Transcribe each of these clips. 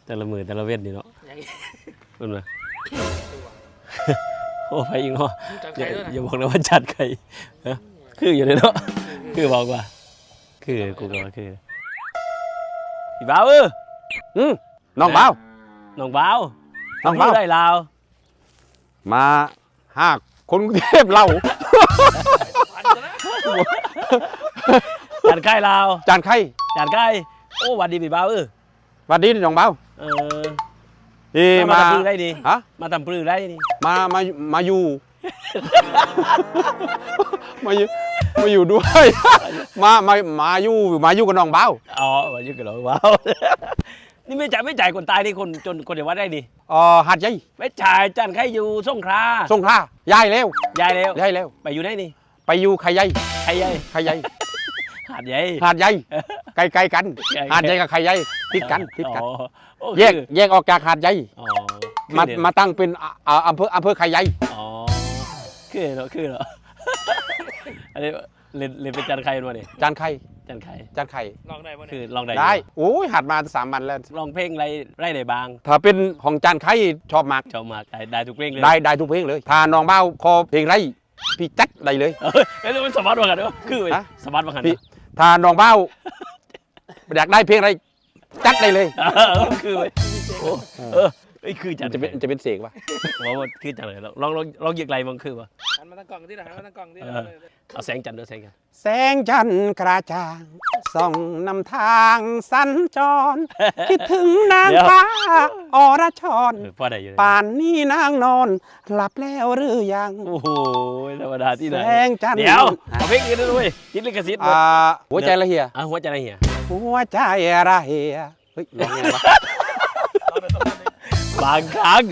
แต่ละมือแต่ละเว้นนี่เนาะเป็นไงโอ้ไปอีกเนาะอย่าบอกนะว่าจัดไข่คืออยู่เลยเนาะคือบอกว่าคือกูก็ว่าคือพี่บ่าวน้องเบาน้องบ่าวได้ลาวมาห้าคนกรุงเทพเราจานไข่ลาวจานไข่จานไข่โอ้วันดีพี่บ่าววันดีน้องเบามาทำปลื้ได้ดีฮะมาทำปลื้ได้ดีมาอยู่ มาอยู่ด้วย มาอยู่กับน้องเบาอ๋อมาอยู่กับน้องเบานี่ไม่จ่ายคนตายนี่คนจนคนเดียววัดได้ดีหาดใหญ่ไม่จ่ายจันใครอยู่สงขลาย้ายแล้วไปอยู่ได้นี่ไปอยู่ไข่ใหญ่หาดใหญ่ไกลกันหาดใหญ่กับไข่ใหญ่ติดกันแยกออกจากหาดใหญ่มาตั้งเป็นอำเภอไข่ใหญ่คือเหรออันนี้เรียนเป็นจานไข่มาดิจานไข่ลองได้ป่ะคือลองได้โอ้ยหัดมา3 วันแล้วลองเพลงไรไหนบางถ้าเป็นของจานไข่ชอบมากได้ทุกเพลงเลยได้ทุกเพลงเลยถ้าน้องเบ้าคอเพลงไรพี่จัดได้เลยไม่รู้มันสมัติว่ากันด้วยคือสมัติว่ากันถ้าน้องเบ้าอยากได้เพลงอะไรจัดได้เลยคือคือจัดจะเป็นเสกป่ะว่าคือจัดเลยลองยิงไรมันคือป่ะหันมาตั้งกล่องที่ไหนหันมาตั้งกล่องที่เอาแสงจันทร์ด้วยแสงจันทร์กระจ่างส่องนำทางสัญจรคิดถึงนางฟ้าอรชรป่านนี้นางนอนหลับแล้วหรือยังโอ้โหธรรมดาที่ไหนแสงจันทร์เดี๋ยวเอาเพลงกันด้วยยิงลิขสิทธิ์หัวใจละเหียหัวใจละเหียเฮ้ยร้องไงวะบางครั้ง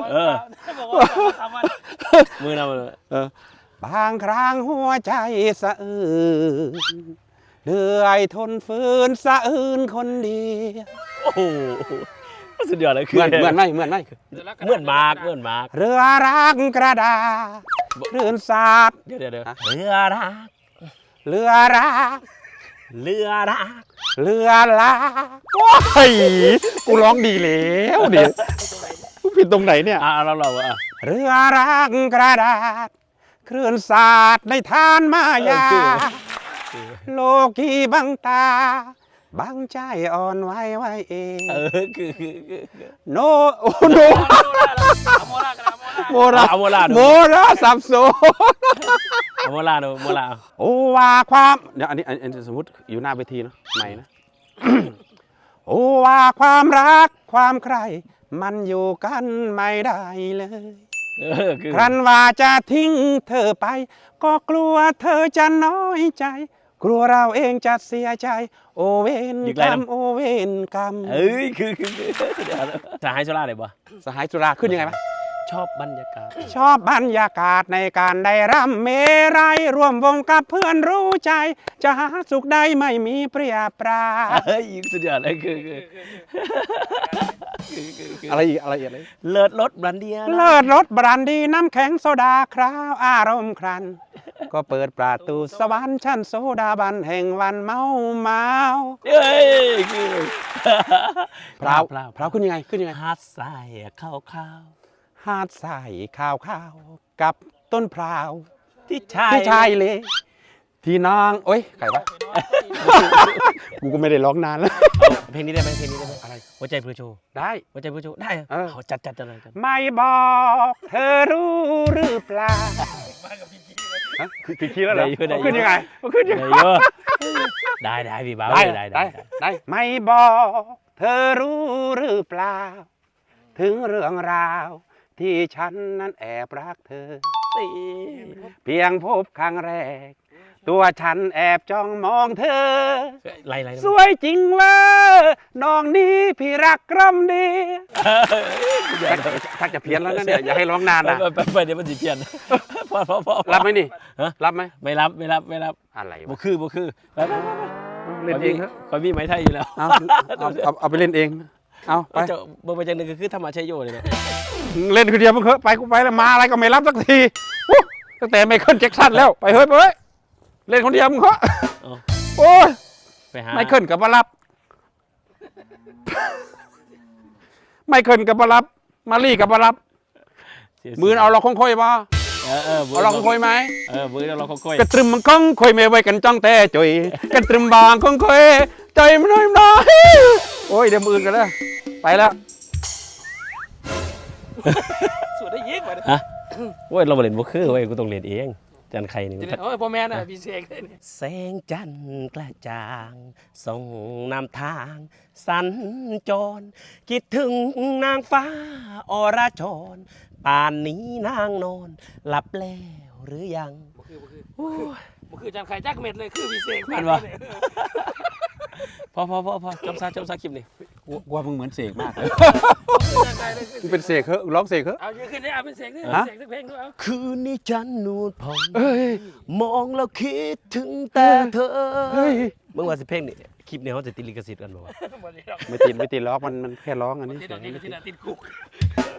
มือนบางครั้งหัวใจสะอื้นเหนื่อยทนฝืนสะอื้นคนเดียวโอ้โหสุดยอดเลยคือเหมือนไหมเหมือนมากเรือรักกระดาคลื่นสาดเดี๋ยวเรือรักโอ้ยกูร้องดีแล้วเดี๋ยวกูผิดตรงไหนเนี่ยเราเรือรักกระดาษคลื่นสาดในทานมายาโลกีบังตาบังใจอ่อนไหวเองคือโนโมราสับสนโมราโอว่าความเดี๋ยวอันนี้สมมติอยู่หน้าเวทีเนาะใหม่นะโอว่าความรักความใครมันอยู่กันไม่ได้เลยครั้นว่าจะทิ้งเธอไปก็กลัวเธอจะน้อยใจกลัวเราเองจะเสียใจโอเวนกรรมคือสหายสุราเลยบ่สหายสุราขึ้นยังไงวะชอบบรรยากาศในการได้รำเมรัยร่วมวงกับเพื่อนรู้ใจจะหาสุขใดไม่มีเปรียบปราสุดยอดเลยคืออะไรอีกเลิศรสบรันดีน้ำแข็งโซดาคราวอารมณ์ครันก็เปิดประตูสวรรค์ชั้นโซดาบันแห่งวันเมาคือพราวขึ้นยังไงหาดทรายข้าวหาดทรายข้าวกับต้นพราวที่ชายเลยที่นางโอ้ยใครวะกูก็ไม่ได้ร้องนานแล้วเพลงนี้ได้ไหมอะไรหัวใจพลูโชได้หัวใจพลูโชได้เขาจัดเลยกันไม่บอกเธอรู้หรือเปล่าผิดคีย์แล้วเหรอขึ้นยังไงได้พี่บ่าวได้ไม่บอกเธอรู้หรือเปล่าถึงเรื่องราวที่ฉันนั้นแอบรักเธอเพียงพบครั้งแรกตัวฉันแอบจ้องมองเธอสวยจริงเลยน้องนี้พี่รักกรำดีถ้าจะเพี้ยนแล้วนะเนี่ยอย่าให้ร้องนานนะไปเดี๋ยวมันจะเพี้ยนพอรับไหมนี่รับไหมไม่รับอะไรบุคือเล่นเองครับคอยมีไม้ไทยอยู่แล้วเอาไปเล่นเองเอาไปเบอร์ประจันหนึ่งคือธรรมะชัยโยเลยเนี่ยเล่นคือเดียวมึงไปกูไปแล้วมาอะไรก็ไม่รับสักทีตั้งแต่ไมเคิลแจ็คสันแล้วไปเฮ้ยเล่นคนเดียวมึงเหรอโอ้ยไมเคิลกับมารับไม่เคินกับบรับมาลี่กับบรับมือเอาเราคงค่อยบ่ เอาเราคงค่อยไหมมือเราคงค่อยกระตรึมมันคงค่อยไม่ไว้กันจ้องแต่จ่อยกระตรึมบางคงค่อยใจมันน้อยโอ้ยเดี๋ยวมืออื่นกันแล้วไปแล้วสวดได้เยอะกว่าฮะโอ้ยเราบ่เล่นบ่คือเว้ยกูต้องเล่นเองจันไข่นี่โอ้ยพ่อแม่น่ะพี่เสกเลยนี่แสงจันทร์กระจ่างส่องนำทางสัญจร คิดถึงนางฟ้าอรชรป่านนี้นางนอนหลับแล้วหรือยังบ่คือจันไข่จักเม็ดเลยคือพี่เสกแม่นบ่ พอจำซาคลิปนี่กูว่ามึงเหมือนเสกมากเลยจันไข่เลยมึงเป็นเสกเหอะร้องเสกเหอะเอาเยอะขึ้นได้เอาเป็นเสกด้วยฮะเสกสักเพลงด้วยเอาคืนนี้ฉันนูดพองเอ้ยมองแล้วคิดถึงแต่เธอเฮ้ยมึงว่าสิเพลงนี่คลิปนี้เขาจะติดลิขสิทธิ์กันบ่วะบ่ได้หรอกไม่ติดล็อกมันแค่ร้องอันนี้ติดดอกนี้ก็ติดคุก